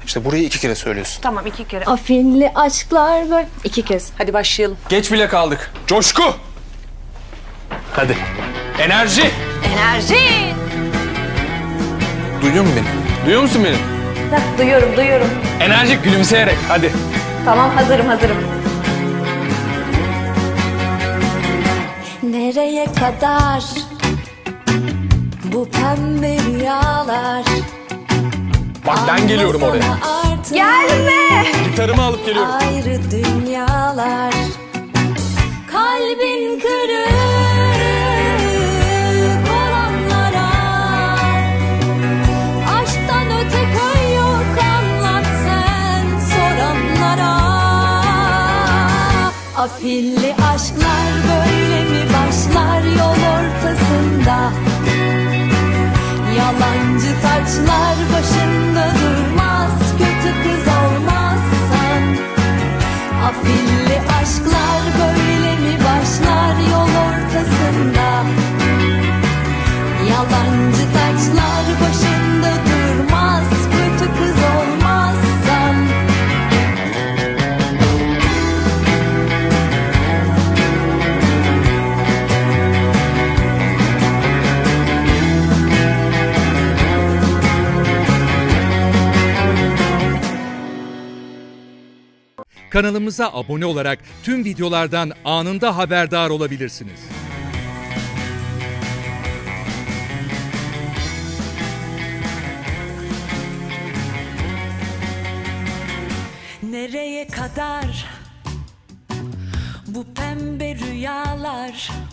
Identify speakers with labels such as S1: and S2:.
S1: İşte burayı 2 kere söylüyorsun.
S2: Tamam 2 kere.
S3: Afilli aşklar böyle. 2 kez.
S2: Hadi başlayalım.
S1: Geç bile kaldık. Coşku! Hadi. Enerji!
S2: Enerji.
S1: Duyuyor musun beni? Duyuyor musun beni?
S3: Heh, duyuyorum.
S1: Enerjik gülümseyerek hadi.
S3: Tamam, hazırım. Nereye kadar bu pembe rüyalar?
S1: Bak ben geliyorum oraya.
S3: Gelme!
S1: Gitarımı alıp geliyorum.
S3: Ayrı dünyalar. Kalbin kırık olanlara, aşktan öte köy yok, anlat sen soranlara. Afilli aşklar böyle mi başlar yol ortasında? Yalancı taçlar başında durmaz, kötü kız olmazsan. Afilli aşklar böyle mi başlar yol ortasında? Yalancı taçlar başında durmaz, kötü kız olmazsan.
S4: Kanalımıza abone olarak tüm videolardan anında haberdar olabilirsiniz.
S5: Nereye kadar bu pembe rüyalar?